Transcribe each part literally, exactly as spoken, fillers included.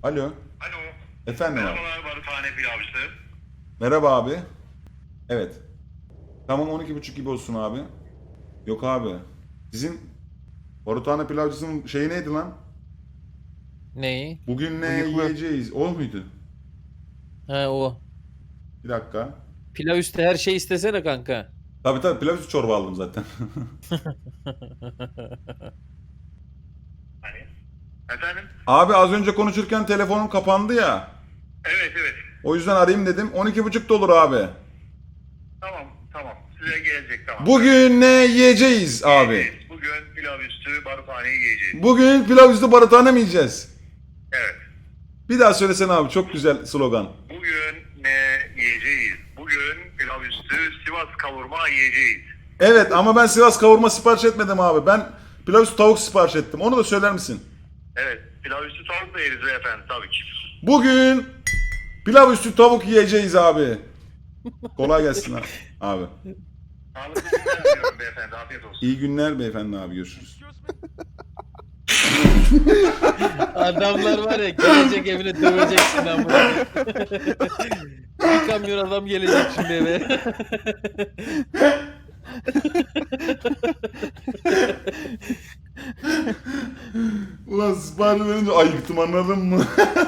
Alo. Alo. Efendim abi. Merhabalar Barutane Pilavcısı. Merhaba abi. Evet. Tamam on iki buçuk gibi olsun abi. Yok abi. Sizin Barutane Pilavcısı'nın şeyi neydi lan? Neyi? Bugün ne Bıyıklı. yiyeceğiz? O muydu? Ha o. Bir dakika. Pilav üstü her şey istesene kanka. Tabii tabii pilav üstü çorba aldım zaten. Hani? Efendim? Abi az önce konuşurken telefonum kapandı ya. Evet evet. O yüzden arayayım dedim. on iki buçuk da olur abi. Tamam tamam. Size gelecek tamam. Bugün ne yiyeceğiz abi? Evet, bugün pilav üstü barutaneyi yiyeceğiz. Bugün pilav üstü barutane mi yiyeceğiz? Evet. Bir daha söylesene abi, çok güzel slogan. Bugün ne yiyeceğiz? Bugün pilav üstü Sivas kavurma yiyeceğiz. Evet ama ben Sivas kavurma sipariş etmedim abi. Ben pilav üstü tavuk sipariş ettim. Onu da söyler misin? Evet. Pilav üstü tavuk da yeriz beyefendi tabii ki. Bugün pilav üstü tavuk yiyeceğiz abi. Kolay gelsin abi. abi. Sağlıklı günler diliyorum beyefendi. Afiyet olsun. İyi günler beyefendi abi, görüşürüz. Adamlar var ya, gelecek evine döveceksin ama. Bir kamyon adam gelecek şimdi eve. Ulan sipariş verince ayıktım, anladın mı?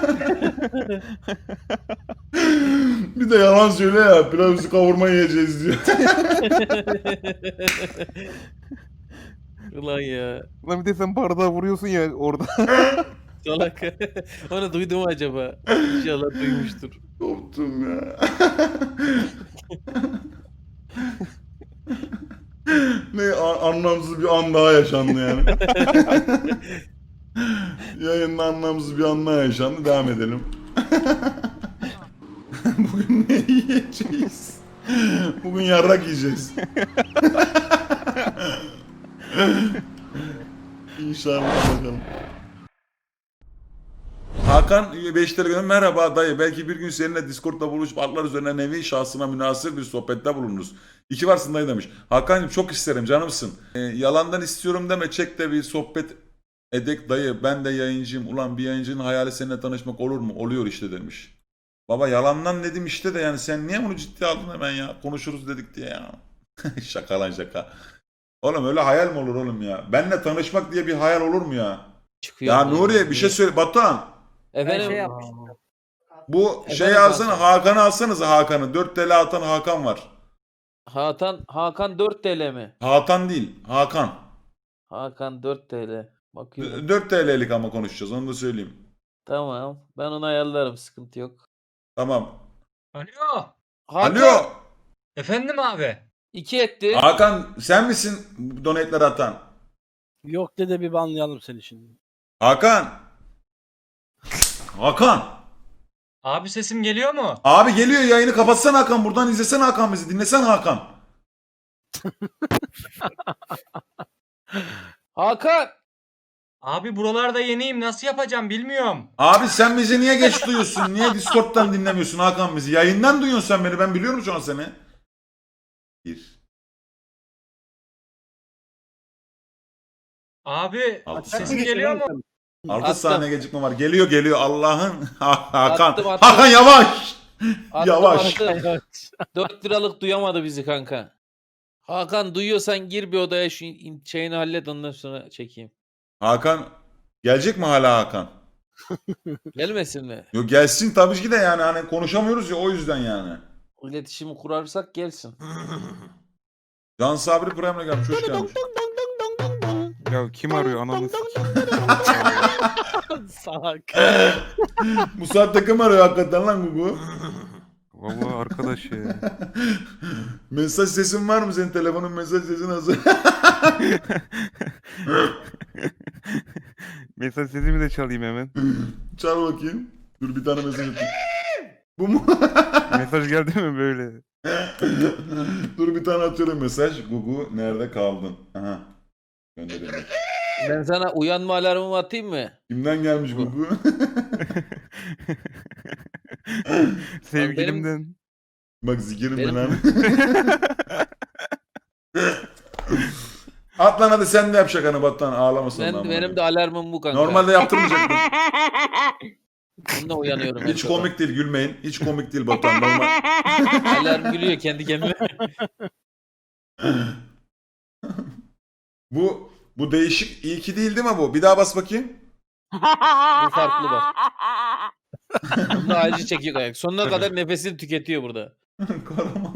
Bir de yalan söyle ya, pilav üstü kavurma yiyeceğiz diyor. Ulan ya. Lan bir de sen bardağı vuruyorsun ya orada. Salak. Onu duydum mu acaba? İnşallah duymuştur. Koptum ya. Ne a- anlamsız bir an daha yaşandı yani. Yayında anlamsız bir an daha yaşandı. Devam edelim. Bugün ne yiyeceğiz? Bugün yarrak yiyeceğiz. İnşallah bakalım. Hakan beş lira göndermiş. Merhaba dayı. Belki bir gün seninle Discord'da buluşup atlar üzerine nevi şahsına münasır bir sohbette bulunuruz. İki varsın dayı demiş. Hakan'cığım çok isterim, canımsın. Ee, yalandan istiyorum deme, çek de bir sohbet edek dayı. Ben de yayıncıyım. Ulan bir yayıncının hayali seninle tanışmak olur mu? Oluyor işte demiş. Baba yalandan dedim işte de, yani sen niye bunu ciddiye aldın hemen ya? Konuşuruz dedik diye ya. Şaka lan şaka. Oğlum öyle hayal mi olur oğlum ya? Benle tanışmak diye bir hayal olur mu ya? Çıkıyor. Ya Nuriye bir şey söyle. Batuhan. Efendim. şey yapmıştım. Bu Efendim şey alsana, Hakan. Hakan'ı alsanıza Hakan'ı. dört T L atan Hakan var. Hakan, Hakan dört T L mi? Hakan değil, Hakan. Hakan dört T L. Bakıyorum. dört T L'lik ama konuşacağız, onu da söyleyeyim. Tamam. Ben onu ayarlarım. Sıkıntı yok. Tamam. Alo. Hakan Alo. Efendim abi. iki etti. Hakan sen misin donate'leri atan? Yok dede bir banlayalım seni şimdi. Hakan. Hakan. Abi sesim geliyor mu? Abi geliyor, yayını kapatsana Hakan. Buradan izlesene Hakan bizi. Dinlesene Hakan. Hakan. Abi buralarda yeniyim, nasıl yapacağım bilmiyorum. Abi sen bizi niye geç duyuyorsun? Niye Discord'dan dinlemiyorsun Hakan bizi? Yayından duyuyorsun sen beni. Ben biliyorum şu an seni. Bir. Abi Altı sesim saniye. geliyor mu? altı Attım. saniye gecikme var. Geliyor geliyor Allah'ın. Hakan. Attım, attım. Hakan yavaş. Attım, Yavaş. attım. dört liralık duyamadı bizi kanka. Hakan duyuyorsan gir bir odaya, şu in- şeyini hallet, ondan sonra çekeyim. Hakan gelecek mi hala Hakan? Gelmesin mi? Yok gelsin tabii ki de, yani hani konuşamıyoruz ya, o yüzden yani. İletişimi kurarsak gelsin. Can Sabri Prime'le gelmiş, hoş gelmiş. Ya kim arıyor ananı sikeyim. Salak. Bu saatte kim arıyor hakikaten lan Gugu? Vallahi arkadaş ya. Mesaj sesin var mı senin, telefonun mesaj sesin hazır? Mesaj sesimi de çalayım hemen. Çal bakayım. Dur bir tane mesaj atayım. Bu mu? Mesaj geldi mi böyle? Dur bir tane atıyorum mesaj. Gugu nerede kaldın? Aha. Gönderelim. Ben sana uyanma alarmımı atayım mı? Kimden gelmiş Gugu? Sevgilimden. Bak zikirim Benim- ben abi. At lan hadi, sen de yap şakanı Batuhan, ağlamasın. Ben, lan benim bana. de alarmım bu kanka. Normalde yaptırmayacaktım. Bununla uyanıyorum. her Hiç sabah. komik değil, gülmeyin. Hiç komik değil Batuhan. Normal. Alarm gülüyor kendi kendine. Bu bu değişik iyi ki değil değil mi bu? Bir daha bas bakayım. Bu farklı bak. Bunda acı çekiyor ayak. Sonuna kadar nefesini tüketiyor burada. Kahraman.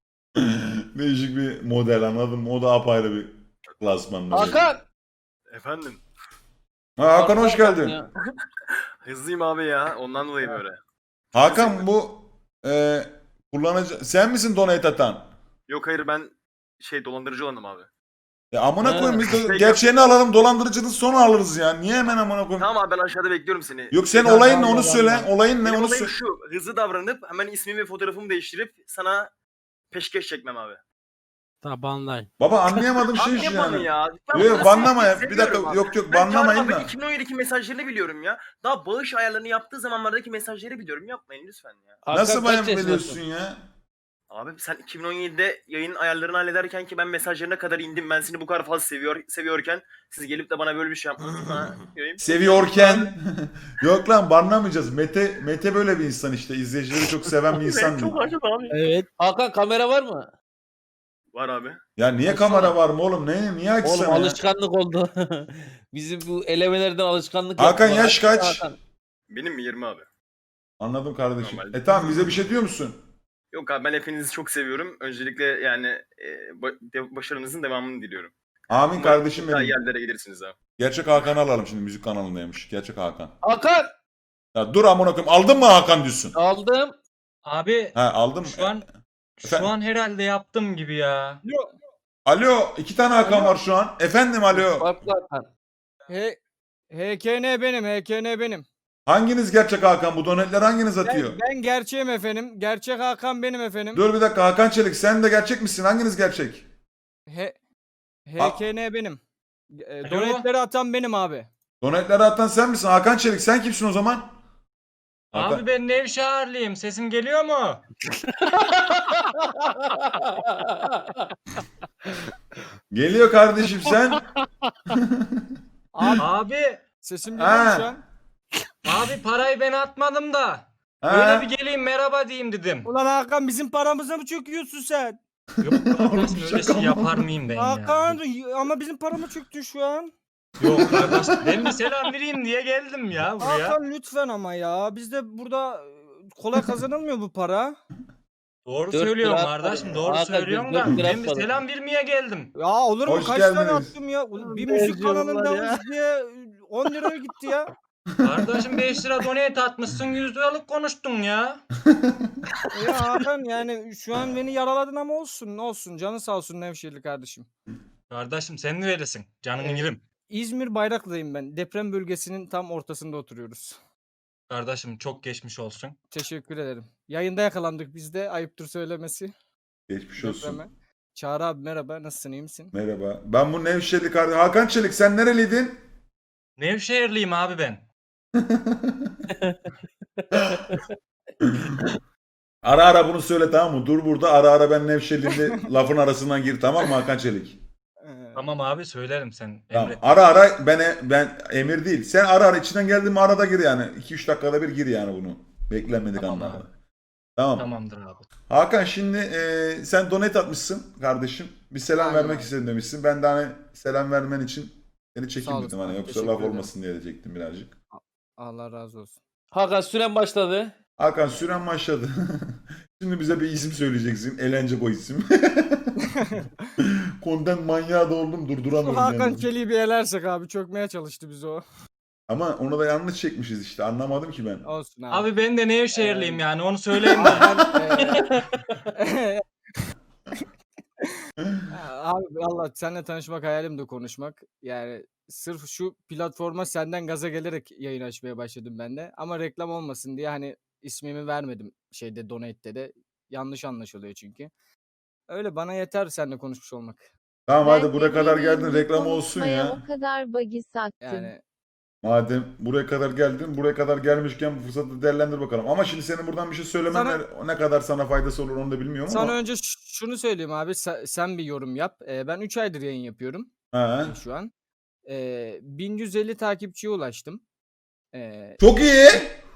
Değişik bir model, anladın mı? O da apayrı bir klasmanda. Hakan! Efendim. Ha, Hakan hoş geldin. Ya. Hızlıyım abi ya. Ondan dolayı böyle. Hakan bu e, kullanıcı sen misin donate atan? Yok hayır ben şey dolandırıcı olanım abi. Ya amına Ha. koyayım biz de Şey gerçeğini alalım, dolandırıcının sonra alırız ya. Niye hemen amına koyayım? Tamam abi ben aşağıda bekliyorum seni. Yok sen Ya, olayın ne Allah onu Allah. söyle. Olayın ne Benim onu olayım söyle. şu. Hızlı davranıp hemen ismimi ve fotoğrafımı değiştirip sana peşkeş çekmem abi. Tamam banlayın. Baba anlayamadım şey Abi şu ne banı yani. ya? Ben Yok, bunu banlama ya. seviyorum Bir dakika, abi. yok, yok, Ben banlamayın Çağrı abi da. iki bin on yediki mesajlarını biliyorum ya. Daha bağış ayarlarını yaptığı zamanlardaki mesajları biliyorum. Yapmayın lütfen ya. Hakan Nasıl kaç bayan yaşındasın? biliyorsun ya? Abi sen iki bin on yedide yayın ayarlarını hallederken ki ben mesajlarına kadar indim. Ben seni bu kadar fazla seviyor seviyorken siz gelip de bana böyle bir şey yapmanız. Ha, göreyim. Seviyorken. Yok lan banlamayacağız. Mete Mete böyle bir insan işte. İzleyicileri çok seven bir insan değil. Çok acıdı abi. Evet. Hakan kamera var mı? Var abi. Ya niye Açsana. kamera var mı oğlum? Ne niye Oğlum açsana ya? alışkanlık oldu. Bizim bu elemelerden alışkanlık Hakan yaptılar. yaş kaç? Hakan. Benim mi yirmi abi? Anladım kardeşim. Normal. E tamam, bize bir şey diyor musun? Yok abi ben hepinizi çok seviyorum. Öncelikle yani e, ba- de- başarınızın devamını diliyorum. Amin Umarım kardeşim daha benim. yerlere gelirsiniz abi. Gerçek Hakan'ı alalım şimdi, müzik kanalındaymış. Gerçek Hakan. Hakan! Ya dur amına koyayım. Aldın mı Hakan diyorsun? Aldım. Abi Ha aldım. şu an Efendim? şu an herhalde yaptım gibi ya. Alo, iki tane Hakan var şu an. Efendim alo. Farklı Hakan. H HKN benim, H K N benim. Hanginiz gerçek Hakan? Bu donetler hanginiz atıyor? Ben, ben gerçeğim efendim. Gerçek Hakan benim efendim. Dur bir dakika, Hakan Çelik sen de gerçek misin? Hanginiz gerçek? H HKN benim. E, Alo. Donetleri atan benim abi. Donetleri atan sen misin? Hakan Çelik sen kimsin o zaman? Hakan- Abi ben Nevşehirliyim. Sesim geliyor mu? Geliyor kardeşim sen. Abi Abi sesim Ha. geliyor mu şu an? abi parayı ben atmadım da. Ha? Böyle bir geleyim merhaba diyeyim dedim. Ulan Hakan bizim paramıza mı çöküyorsun sen? Yok kardeşim öyle şaka şey mı? yapar mıyım ben Hakan ya? ama bizim paramı çöktün şu an. Yok kardeş ben bir selam vereyim diye geldim ya buraya. Hakan lütfen ama ya. Bizde burada e, kolay kazanılmıyor bu para. Doğru Dört söylüyorsun lira kardeşim atmadım. doğru Hakan, söylüyorsun dört da lira ben bir atmadım. selam vermeye geldim. Ya olur mu? Hoş Kaç tane geldiniz. attım ya? Bir Ne müzik diyorlar kanalında ya? diye on liraya gitti ya. Kardeşim beş lira donate atmışsın yüz liralık konuştun ya. Ya Hakan yani şu an beni yaraladın ama olsun olsun. Canı sağ olsun Nevşehirli kardeşim. Kardeşim sen neredesin? Canını Evet. yerim. İzmir Bayraklı'dayım ben. Deprem bölgesinin tam ortasında oturuyoruz. Kardeşim çok geçmiş olsun. Teşekkür ederim. Yayında yakalandık biz de. Ayıptır söylemesi. Geçmiş olsun. Depreme. Çağrı abi merhaba. Nasılsın, iyi misin? Merhaba. Ben bu Nevşehirli kardeşim. Hakan Çelik sen nereliydin? Nevşehirliyim abi ben. Ara ara bunu söyle tamam mı? Dur burada ara ara ben Nevşehirli'nde lafın arasından gir tamam mı Hakan Çelik? Ee, Tamam abi söylerim sen Tamam. emret. Ara ara ben ben emir değil. Sen ara ara içinden geldiğin mi arada gir yani. iki üç dakikada bir gir yani bunu. Beklenmedik Tamam anlarda. abi. Tamam. Tamamdır abi. Hakan şimdi e, sen donate atmışsın kardeşim. Bir selam Aynen vermek abi. istedim demişsin. Ben de hani selam vermen için seni Sağ çekeyim olasın dedim hani abi, yoksa teşekkür laf ederim. olmasın diye diyecektim birazcık. Allah razı olsun. Hakan süren başladı. Hakan süren başladı. Şimdi bize bir isim söyleyeceksin. Eğlence o isim. Content manyağı da oldum Şu durduramıyorum. Hakan yani. Çelik'i bir elersek abi çökmeye çalıştı bizi o. Ama onu da yanlış çekmişiz işte anlamadım ki ben. Olsun abi. Abi ben de Nevşehirliyim yani onu söyleyeyim de. Eee, abi valla seninle tanışmak hayalim de konuşmak. Yani sırf şu platforma senden gaza gelerek yayın açmaya başladım ben de. Ama reklam olmasın diye hani ismimi vermedim şeyde donate'de de. Yanlış anlaşılıyor çünkü. Öyle bana yeter seninle konuşmuş olmak. Tamam Ben hadi buraya de kadar bileyim, geldin bu reklam olsun konuşmaya ya. O kadar bagi sattım. Yani Madem buraya kadar geldin, buraya kadar gelmişken bu fırsatı değerlendir bakalım. Ama şimdi senin buradan bir şey söylemen Sana- ne- ne kadar sana faydası olur onu da bilmiyorum sana ama. önce ş- şunu söyleyeyim abi. Sen, sen bir yorum yap. Ee, ben üç aydır yayın yapıyorum Ha. şu an. Ee, bin yüz elli takipçiye ulaştım. Ee, Çok iyi.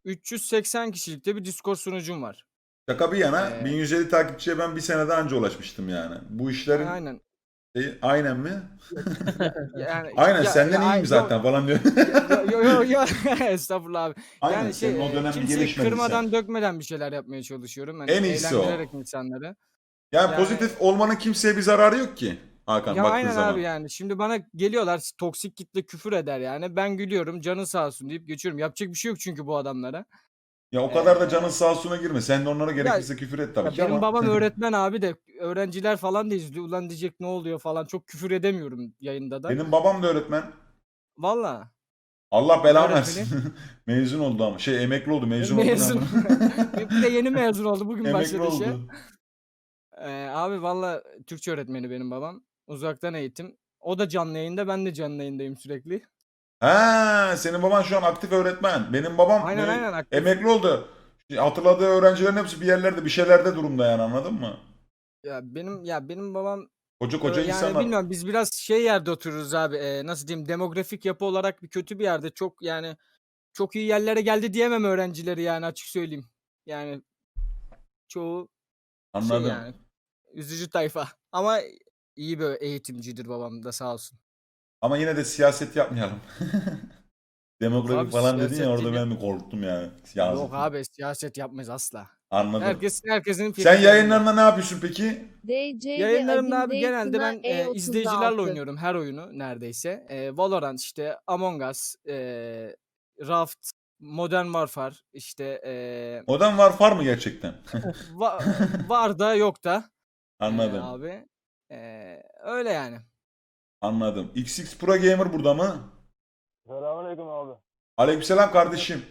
üç yüz seksen kişilikte bir Discord sunucum var. Şaka bir yana Ee, bin yüz elli takipçiye ben bir senede anca ulaşmıştım yani. Bu işlerin Aynen. şey, aynen mi? Yani Aynen ya- senden ya- iyiyim yo- zaten falan diyor. Yo yo yo yo. Estağfurullah abi. Aynen Yani şey senin o e, dönem kimseyi gelişmedin kırmadan sen. dökmeden bir şeyler yapmaya çalışıyorum. Hani En iyisi o. eğlendirerek insanları. Yani, Yani- pozitif olmanın kimseye bir zararı yok ki. Hakan Ya baktığın aynen zaman. abi yani. Şimdi bana geliyorlar toksik kitle küfür eder yani. Ben gülüyorum canı sağ olsun deyip geçiyorum. Yapacak bir şey yok çünkü bu adamlara. Ya o kadar da Ee, canın sağ olsuna girme. Sen de onlara gerekirse küfür et tabii Ya ki benim ama. babam öğretmen abi de öğrenciler falan da izliyor. Ulan diyecek ne oluyor falan. Çok küfür edemiyorum yayında da. Benim babam da öğretmen. Valla. Allah belanı Öğretmeni. versin. Mezun oldu ama. Şey emekli oldu. Mezun, Mezun. oldu. Bir de yeni mezun oldu. Bugün Emekli başladı işe. oldu. Ee, abi valla Türkçe öğretmeni benim babam. Uzaktan eğitim. O da canlı yayında, ben de canlı yayındayım sürekli. Ha, senin baban şu an aktif öğretmen. Benim babam Aynen me- aynen aktif. emekli oldu. Hatırladığı öğrencilerin hepsi bir yerlerde bir şeylerde durumda yani anladın mı? Ya benim ya benim babam Koca e, koca yani insanlar. bilmiyorum biz biraz şey yerde otururuz abi. E, nasıl diyeyim demografik yapı olarak bir kötü bir yerde. Çok yani çok iyi yerlere geldi diyemem öğrencileri yani açık söyleyeyim. Yani çoğu Anladım. şey yani üzücü tayfa. Ama iyi bir eğitimcidir babam da sağ olsun. Ama yine de siyaset yapmayalım. Demografi abi, falan dedin ya siyaset orada değil ben bir korktum yani. Siyaset. Yok abi siyaset yapmayız asla. Anladım. Herkes herkesin fikri. Sen yayınlarında ne yapıyorsun peki? D C Yayınlarımda abi genelde ben e, izleyicilerle oynuyorum her oyunu neredeyse. E, Valorant işte Among Us, e, Raft, Modern Warfare işte e, Modern Warfare mı gerçekten? va- var da yok da e, Anladım. abi. E, öyle yani. Anladım. X X Pro Gamer burada mı? Selamünaleyküm abi. Aleykümselam kardeşim.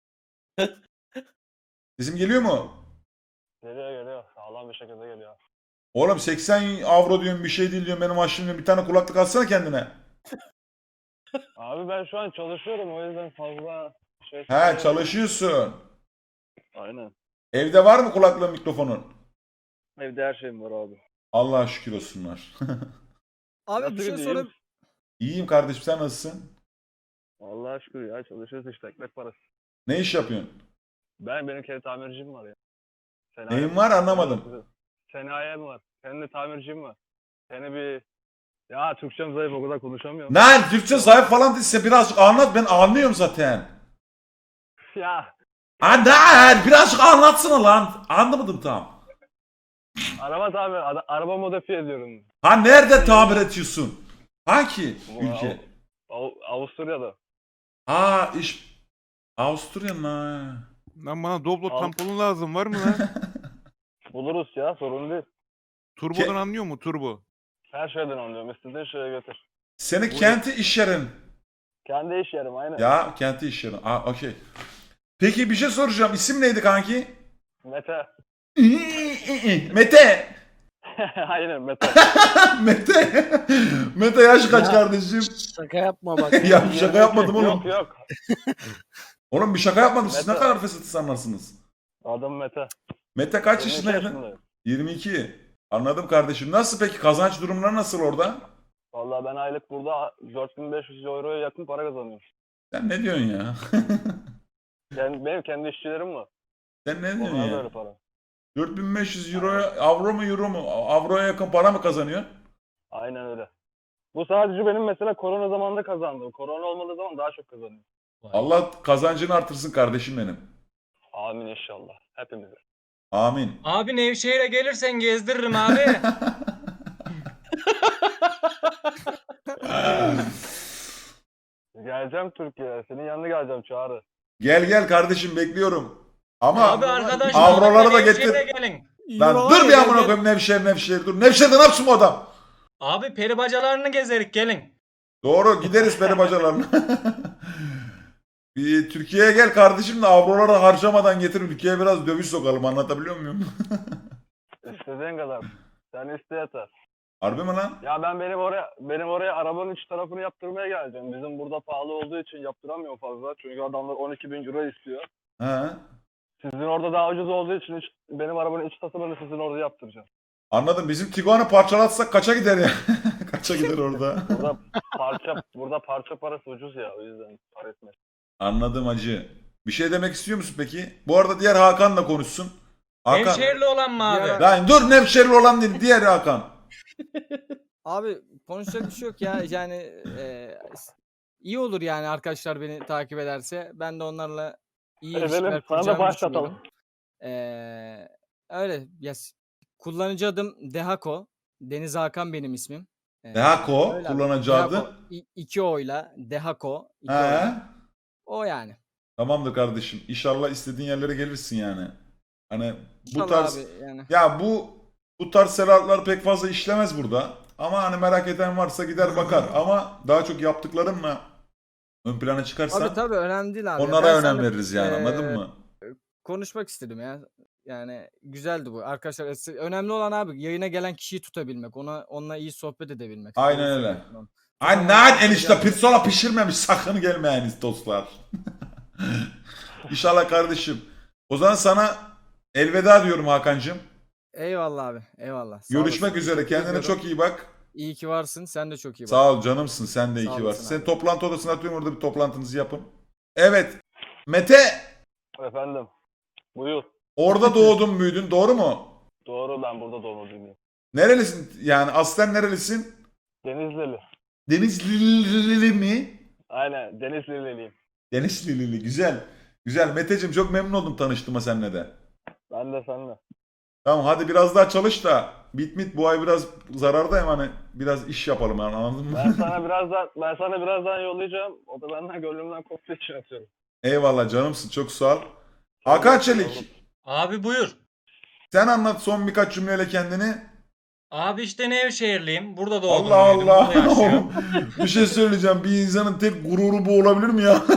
Sesim geliyor mu? Geliyor geliyor. Sağlam bir şekilde geliyor. Oğlum seksen avro diyorum bir şey değil diyorum benim aşkım diyorum. Bir tane kulaklık alsana kendine. Abi ben şu an çalışıyorum o yüzden fazla şey... He çalışıyorsun. Aynen. Evde var mı kulaklığın mikrofonun? Evde her şeyim var abi. Allah'a şükür olsunlar. Abi Nasıl bir şey gidiyor, iyi sorayım. misin? İyiyim kardeşim sen nasılsın? Allah'a şükür ya çalışıyoruz işte ekmek parası. Ne iş yapıyorsun? Ben benim kendi tamircim var ya. Senin Neyin ayağın- var anlamadım. Senin ayağın var. Kendi tamircim var. Seni bir... Ya Türkçem zayıf o kadar konuşamıyorum. Lan Türkçe sahip falan değilse birazcık anlat ben anlıyorum zaten. Ya Anlat birazcık anlatsana lan. Anlamadım tam. araba tamir, ara- araba modifiye ediyorum. Ha nerede tamir ediyorsun? Hangi Bu ülke? Av- Av- Avusturya'da. Ha iş Avusturya mı? Lan bana Doblo Al. tamponu lazım var mı lan? Buluruz ya sorun değil. Turbodan anlıyor mu turbo? Her şeyden anlıyorum. İstediğin şeye götür. Seni kenti iş yerin. Kendi iş yerim aynen. Ya kenti iş yerin. Aa okey. Peki bir şey soracağım. İsim neydi kanki? Mete. Mete. aynen Mete. Mete. Mete yaş kaç Ya. kardeşim? Şaka yapma bak. Ya bir şaka yapmadım oğlum. yok yok. Oğlum bir şaka yapmadım. Siz ne Mete. kadar fesat insanlarsınız. Adım Mete. Mete kaç yirmi iki yaşındaydın? yaşındayım. yirmi iki. Anladım kardeşim. Nasıl peki kazanç durumları nasıl orada? Vallahi ben aylık burada dört bin beş yüz euroya yakın para kazanıyorum. Sen ne diyorsun ya? Yani benim kendi işçilerim var. Sen ne diyorsun Onlar ya? böyle para. dört bin beş yüz euroya avro mu euro mu? Avroya yakın para mı kazanıyorsun? Aynen öyle. Bu sadece benim mesela korona zamanında kazandığım. Korona olmadığı zaman daha çok kazanıyorum. Allah kazancını artırsın kardeşim benim. Amin inşallah. Hepimize. Amin. Abi Nevşehir'e gelirsen gezdiririm abi. Geleceğim Türkiye'ye. Senin yanına geleceğim Çağrı. Gel gel kardeşim bekliyorum. Ama Abi arkadaş avroları da Nevşehir'e getir. gelin. Lan Euro dur var bir ya, amına gel- koyayım Nevşehir Nevşehir dur. Nevşehir'de ne yapsın bu adam? Abi peri bacalarını gezerik gelin. Doğru gideriz peri bacalarına. Bir Türkiye'ye gel kardeşim de avroları harcamadan getir ülkeye biraz döviz sokalım anlatabiliyor muyum? İstediğin kadar. Sen iste yeter. Harbi mi lan? Ya ben benim oraya benim oraya arabanın iç tarafını yaptırmaya geleceğim. Bizim burada pahalı olduğu için yaptıramıyor fazla. Çünkü adamlar on iki bin euro istiyor. He. Sizin orada daha ucuz olduğu için iç- benim arabanın iç tasarımını sizin orada yaptıracağım. Anladım. Bizim Tiguan'ı parçalatsak kaça gider ya? Kaça gider orada? Burada parça burada parça parası ucuz ya o yüzden para etmez. Anladım hacı. Bir şey demek istiyor musun peki? Bu arada diğer Hakan da konuşsun. Hakan. Nevşehirli olan mı abi? Ya- Lan dur Nevşehirli olan değil diğer Hakan. Abi konuşacak bir şey yok ya. Yani e, iyi olur yani arkadaşlar beni takip ederse. Ben de onlarla iyi Edelim, ilişkiler sana da kuracağımı başlatalım. düşünüyorum. Ee, öyle. Yes. Kullanıcı adım Dehako. Deniz Hakan benim ismim. Ee, Dehako öyle abi. kullanıcı Dehako. adı. İ- iki oyla Dehako. iki He. oyla. O yani. Tamamdır kardeşim. İnşallah istediğin yerlere gelirsin yani. Hani bu İnşallah tarz abi yani. ya bu bu tarz selatlar pek fazla işlemez burada. Ama hani merak eden varsa gider bakar. Ama daha çok yaptıklarımla ön plana çıkarsan Abi tabii önemli değil abi. onlara Ben önem seninle, veririz yani eee, anladın mı? Konuşmak istedim ya. Yani güzeldi bu. Arkadaşlar es- önemli olan abi yayına gelen kişiyi tutabilmek. Ona onunla iyi sohbet edebilmek. Aynen Doğru öyle. söylüyorsun oğlum. Ay lan enişte pirzola pişirmemiş sakın gelmeyiniz dostlar. İnşallah kardeşim. O zaman sana elveda diyorum Hakan'cığım. Eyvallah abi. Eyvallah. Sağ Görüşmek olasın. üzere. Teşekkür Kendine ediyorum. çok iyi bak. İyi ki varsın. Sen de çok iyi bak. Sağ ol canımsın. Sen de iyi Sağ ki olasın varsın. Seni abi. toplantı odasına atıyorum orada bir toplantınızı yapın. Evet. Mete Efendim. Buyur. orada doğdun büyüdün doğru mu? Doğru, ben burada doğumluyum. Nerelisin yani aslen nerelisin? Denizlili. Denizlili mi? Aynen, Denizliliyim. Denizlili güzel. Güzel Meteciğim çok memnun oldum tanıştığıma seninle de. Ben de seninle. Tamam hadi biraz daha çalış da bit mit bu ay biraz zarardayım hani biraz iş yapalım yani anladın mı? Ben sana birazdan ben sana birazdan yollayacağım. O da benden gönlümden koptuğu için atıyorum. Eyvallah canımsın çok sağ ol. Hakan Çelik Abi buyur. sen anlat son birkaç cümleyle kendini. Abi işte Nevşehirliyim. Burada doğdum. Allah büyüdüm, Allah. burada yaşıyorum. Bir şey söyleyeceğim. Bir insanın tek gururu bu olabilir mi ya?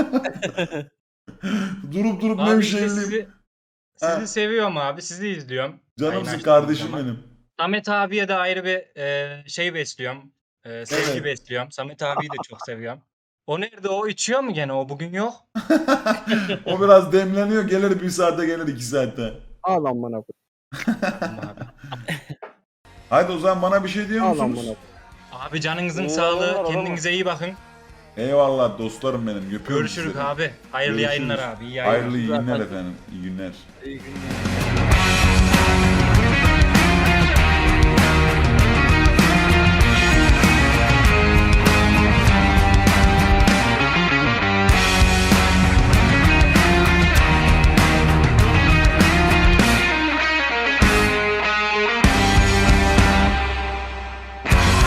durup durup Abi işte Nevşehirliyim. sizi, sizi Ha. seviyorum abi. Sizi izliyorum. Canımsın Aynen. kardeşim Zaman. benim. Samet abiye de ayrı bir e, şey besliyorum. E, sevgi Evet. besliyorum. Samet abiyi de çok seviyorum. O nerede? O içiyor mu gene? O bugün yok. O biraz demleniyor. Gelir bir saatte gelir iki saatte. Ağlan bana. abi. Haydi o zaman bana bir şey diyor Ağlan musunuz? bana. Abi canınızın İyi sağlığı. yayınlar, olur mu? Kendinize iyi bakın. Eyvallah dostlarım benim. Öpüyorum Görüşürüz sizleri. abi. Hayırlı Görüşürüz. yayınlar abi. İyi yayınlar. Hayırlı iyi günler efendim. İyi günler. İyi günler.